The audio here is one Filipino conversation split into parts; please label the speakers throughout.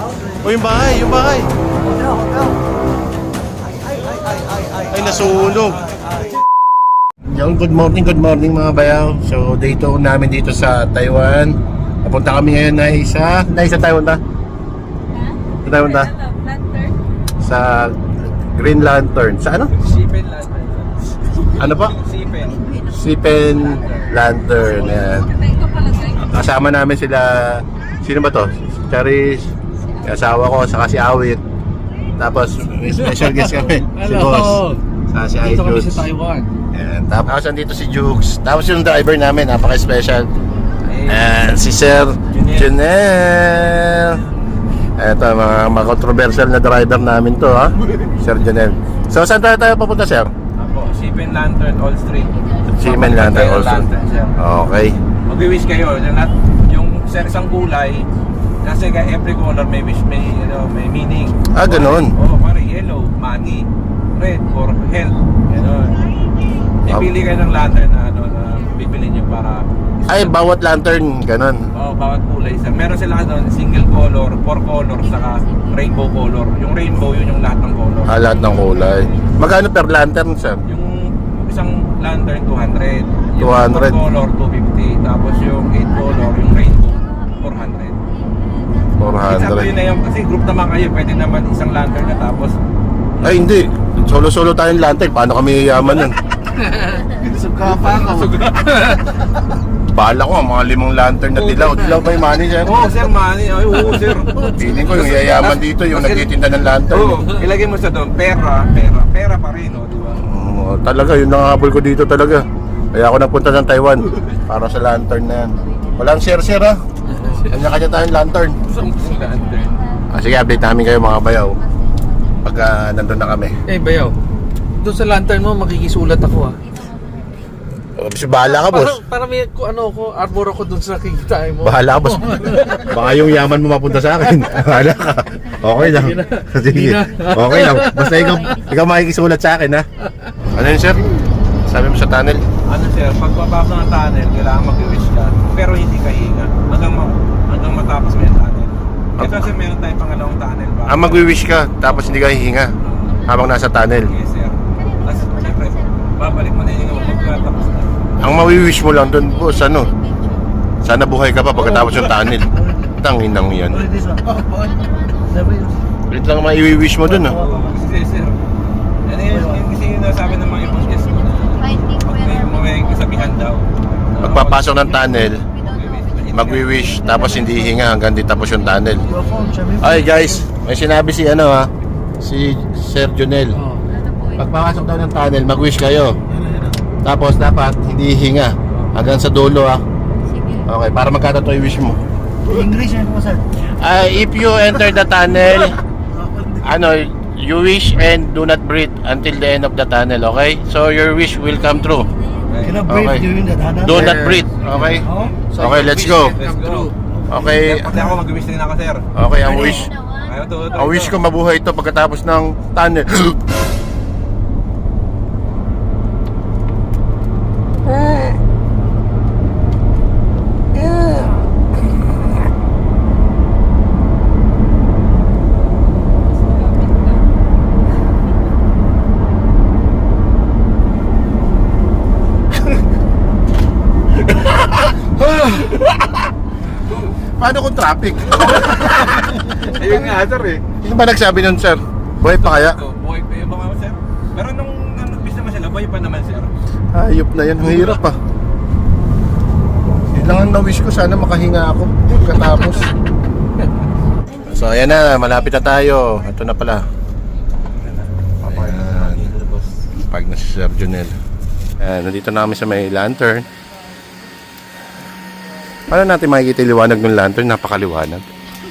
Speaker 1: O yung bahay, yung bahay. Ay, nasunog. Yung good morning mga bayaw. So, dito namin dito sa Taiwan. Napunta kami ngayon na sa Taiwan ta? Sa Taiwan ta? Sa Green Lantern. Sa ano?
Speaker 2: Sipen Lantern.
Speaker 1: Ano pa? Sipen Lantern. Yan. Kasama namin sila. Sino ba to? Charis, asawa ko, saka si Awit. Tapos may special guest kami. Si Boss. Saka si
Speaker 2: Dito kami
Speaker 1: iJukes.
Speaker 2: sa Taiwan.
Speaker 1: Yan. Tapos nandito si Jukes. Tapos yung driver namin, napaka-special. And si Sir Junel. Ito, mga controversial na driver namin to, ha? Sir Junel. So, saan tayo papunta, Sir?
Speaker 2: Apo, Sipen Lantern All Street.
Speaker 1: Sipen Lantern All Street.
Speaker 2: Sir.
Speaker 1: Okay.
Speaker 2: Mag-wish kayo. Yung isang kulay, kasi every color may wish, may meaning.
Speaker 1: Ah, ganun.
Speaker 2: Oo, parang yellow, money. Red, for health. Ganun. Ipili kayo ng lantern na bibili nyo para...
Speaker 1: Ay, bawat lantern, ganun.
Speaker 2: Oo, bawat kulay, sir. Meron sila doon, single color, four color, saka rainbow color. Yung rainbow, yun yung lahat ng color.
Speaker 1: Ah, lahat ng kulay. Magkano per lantern, Sir?
Speaker 2: Yung isang lantern, 200.
Speaker 1: 200.
Speaker 2: Yung 4 color, 250. Tapos yung 8 color, yung rainbow, 400. Exactly
Speaker 1: 400.
Speaker 2: yun na yun. Kasi group naman kayo, pwede naman isang lantern na tapos...
Speaker 1: Ay, hindi. Solo-solo tayong lantern. Paano kami yayaman nun?
Speaker 2: Suga pa ako.
Speaker 1: Bahala ko, mga 5 lantern na dilaw. Dilaw ba yung money, Sir?
Speaker 2: Oo, sir, money. Ay, oo, sir.
Speaker 1: Feeling ko yung yayaman dito, yung nagtitinda ng lantern.
Speaker 2: Oo, ilagay mo sa doon, pera pa rin, di ba?
Speaker 1: Talaga, yun ang habol ko dito talaga. Kaya ako nagpunta ng Taiwan para sa lantern na yan. Walang share-share, ha? Kanya-kanya tayong lantern.
Speaker 2: Lantern.
Speaker 1: Sige, update namin kayo mga bayaw pagka nandun na kami.
Speaker 3: Eh, bayaw. Doon sa lantern mo, makikisulat ako ah.
Speaker 1: Bahala ka, boss.
Speaker 3: Para may arbor ako doon sa kikitain mo.
Speaker 1: Bahala ka, boss. Baka yung yaman mo mapunta sa akin. Bahala ka. Okay lang.
Speaker 3: Sige na.
Speaker 1: Sige. Okay lang. Basta ikaw makikisulat sa akin, ha? Ano yun, sir? Sabi mo sa tunnel?
Speaker 2: Ano, sir, pagpapasok ng tunnel, kailangan mag-wish ka, pero hindi ka hinga. Hanggang matapos mo yung tunnel. Ito, sir, meron tayong pangalawang tunnel ba?
Speaker 1: Magwi-wish ka, tapos hindi ka hihinga habang nasa tunnel.
Speaker 2: Yes, sir. Tapos, siyempre, babalik mo na yung pagkatapos na.
Speaker 1: Ang mawi-wish mo lang doon, boss, ano? Sana buhay ka pa pagkatapos yung tunnel. Tanginang yan. Ulit lang maiwi-wish mo doon, ha?
Speaker 2: Kasi, sir, ano yun kasi yung nasabi ng mga ibang guest ko na may kasabihan daw.
Speaker 1: Pagpapasok ng tunnel, magwi-wish, tapos hindi hihinga hanggang di tapos yung tunnel. Ay, guys, may sinabi si si Sir Junel. Pagpapasok daw ng tunnel, mag-wish kayo. Tapos dapat hindi hihinga hanggang sa dulo, ha? Okay, para magkatato yung wish mo.
Speaker 4: English yan po, sir.
Speaker 1: If you enter the tunnel, you wish and do not breathe until the end of the tunnel, okay? So your wish will come true.
Speaker 4: Cannot
Speaker 1: Okay.
Speaker 4: breathe during the tunnel.
Speaker 1: Do not breathe, okay?
Speaker 4: Oh,
Speaker 1: Okay, let's go.
Speaker 2: Let's go.
Speaker 1: Okay,
Speaker 2: Pati ako mag-wish din ako, sir.
Speaker 1: okay, ang wish.
Speaker 2: Ayaw to.
Speaker 1: Ang wish ko mabuhay ito pagkatapos ng tunnel. Paano kung traffic?
Speaker 2: Ayun nga, sir eh.
Speaker 1: Sino ba nagsabi nun, sir? Buhay pa kaya?
Speaker 2: Buhay pa yung mga, sir. Pero nung nag-wish naman sila, buhay pa naman, sir.
Speaker 1: Ayop na yan, ang hirap pa. Yun lang ang na-wish ko, sana makahinga ako pagkatapos. So ayan na, malapit na tayo. Ito na pala. Ayan. Pag na si Sir Junel. Ayan, nandito na kami sa may lantern. Paano natin makikita yung liwanag ng lantern? Napakaliwanag.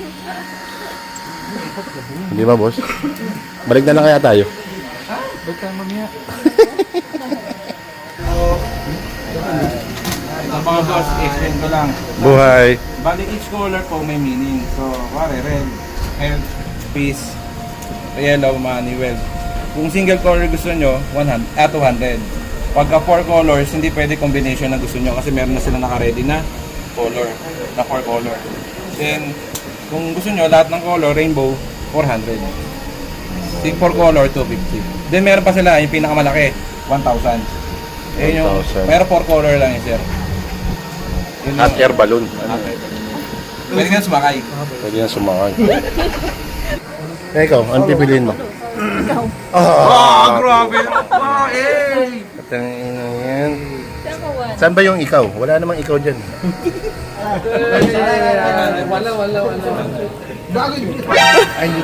Speaker 1: Hindi ba, boss? Balik na lang kaya tayo.
Speaker 3: Ba't tayo mamaya?
Speaker 2: Mga boss, explain ko lang.
Speaker 1: Buhay.
Speaker 2: Bali, each color po may meaning. So, pare, red, health, peace, yellow, money, wealth. Kung single color gusto nyo, 200. Pagka 4 colors, hindi pwede combination na gusto nyo kasi meron na sila naka-ready na color, na 4 color. Then, Kung gusto nyo, lahat ng color, rainbow, 400. Yung 4 color, 250. Then meron pa sila, yung pinakamalaki, 1,000. Eh yung,
Speaker 1: 1,000.
Speaker 2: pero 4 color lang yun, sir. Yun
Speaker 1: Hot
Speaker 2: yung-
Speaker 1: air balloon.
Speaker 2: Pwede nga sumakay.
Speaker 1: Pwede yan sumakay. Eh, ikaw, ano pipiliin mo?
Speaker 2: Grabe! Wow, eh!
Speaker 1: Katangina yan. Saan ba yung ikaw? Wala namang ikaw dyan.
Speaker 3: Wala.
Speaker 1: Ay, hindi.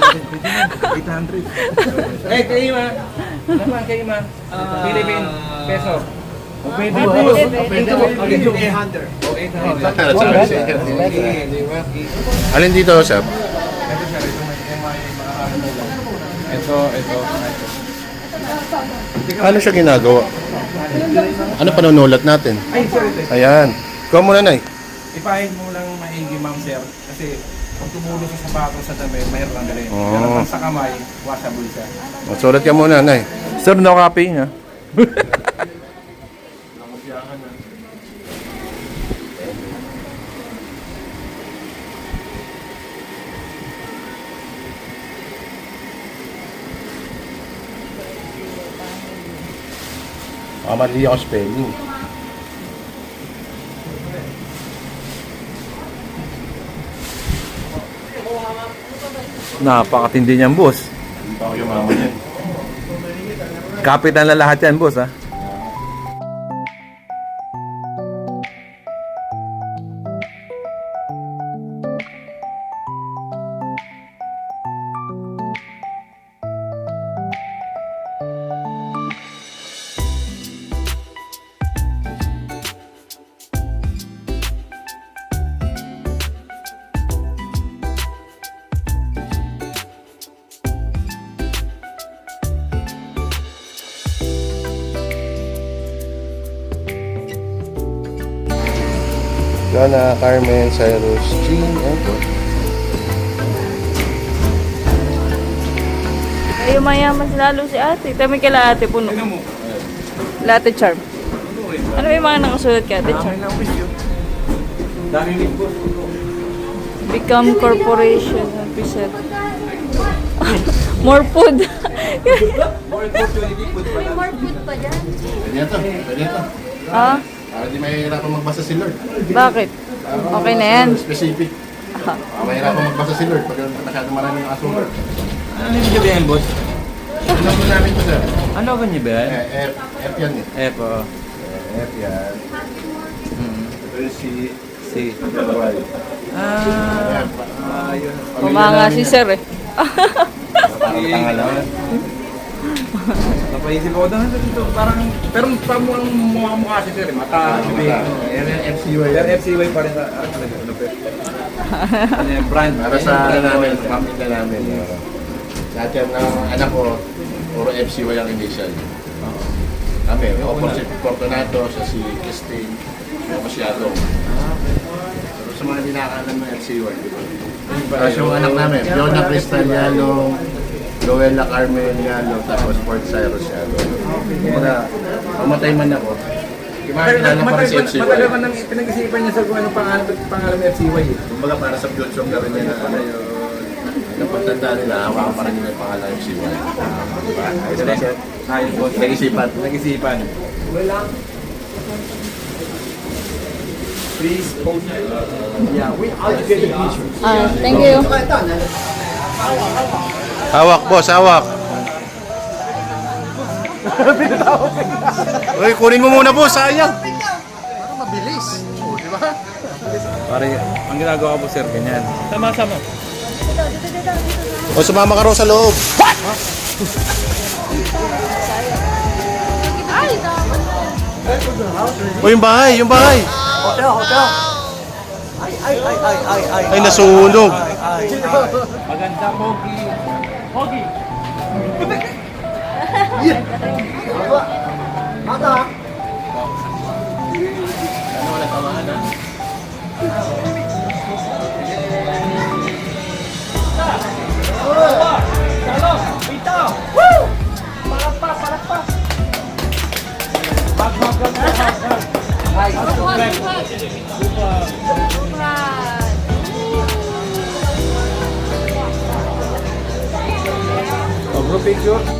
Speaker 2: 800. Eh, kayo ma. Naman kayo ma. Philippine peso. O pwede po.
Speaker 4: Pwede mo. Pwede mo.
Speaker 2: O 800.
Speaker 1: Alin dito, Sab?
Speaker 2: Ito.
Speaker 1: Ano siya ginagawa? Ano panunulat natin?
Speaker 2: Ay, sir, ito.
Speaker 1: Ayan. Ikaw muna, Nay.
Speaker 2: Ipahid mo lang maigi, ma'am, sir. Kasi pag tumulong sa sapatos sa dami, mayroon lang galin.
Speaker 1: Oo.
Speaker 2: Pero pag sa kamay, washable siya.
Speaker 1: Sulat ka muna, Nay.
Speaker 2: Sir, no copy, ha?
Speaker 1: Mali ako spelling.
Speaker 2: Napakatindi niyan, boss.
Speaker 1: Hindi pa ako yumaman yan.
Speaker 2: Kapitan na lahat yan, boss, ha?
Speaker 1: Lana, Carmen, Cyrus, Jean, and po.
Speaker 5: Ay, mayaman lalo si ate. Tami kila ate puno.
Speaker 2: Tingnan mo.
Speaker 5: Latte charm. Ano ba yung mga nakasulat kay ate charm?
Speaker 2: Dami ni boss.
Speaker 5: Become corporation officer. More food.
Speaker 1: Pwede ito.
Speaker 5: ah,
Speaker 1: Para di mahihirapan magbasa si Lord.
Speaker 5: bakit? Okay na yan.
Speaker 1: Specific. Mahihirapan magbasa si Lord pag masyadong marami ng asukal.
Speaker 2: Ano yung niyo ba yan, boss?
Speaker 1: Ano mo namin ito, sir?
Speaker 2: Ano ba niyo ba yan?
Speaker 1: F yan eh.
Speaker 2: F, o.
Speaker 1: F yan. Ito yung C.
Speaker 2: C.
Speaker 1: Y.
Speaker 2: Ah,
Speaker 1: Ayun.
Speaker 5: Kumanga si sir eh.
Speaker 1: Parang tanga lang.
Speaker 2: napaisip ako doon dito. Parang, pero parang mukha si sir, mata.
Speaker 1: Yan yung FCY.
Speaker 2: Pero FCY pa rin sa, talaga, ano pa. Ano yung brand?
Speaker 1: Para sa ano namin, pamilya namin. Lahat yan ng anak ko, puro FCY ang initial. Kami, ako si Fortunato, sa si Christine, ako si Adong. Pero sa mga hindi nakakalam ng FCY, di ba? Tapos yung anak namin, Fiona Cristal Yalong, Luella Carmen Yalong, tapos Fort Cyrus Yalong. Kumbaga, mamatay man ako, makakilala pa rin si FCY.
Speaker 2: Matagal man nang pinag-isipan niya sa kung anong pangalan ng FCY eh.
Speaker 1: Kumbaga para sa future na rin nila, ano yung napagtanda nila, hawakan pa rin nila yung pangalan ng FCY. Diba? Ayos na sir.
Speaker 2: Ayos po.
Speaker 1: Nag-isipan.
Speaker 2: Nag-isipan. Please hold. Yeah, we are together picture.
Speaker 5: Ah, thank you.
Speaker 1: Hawak, boss, hawak. Uy, kunin mo muna, boss, sayang. Parang mabilis. O, di ba?
Speaker 2: Pare, ang ginagawa ko sir, ganyan. Sama-sama.
Speaker 1: O, sumama ka raw sa loob. O, yung bahay, yung bahay.
Speaker 4: Hotel.
Speaker 1: Ay, nasunog.
Speaker 2: Maganda, Pogi. Pogi.
Speaker 4: Mata.
Speaker 2: picture.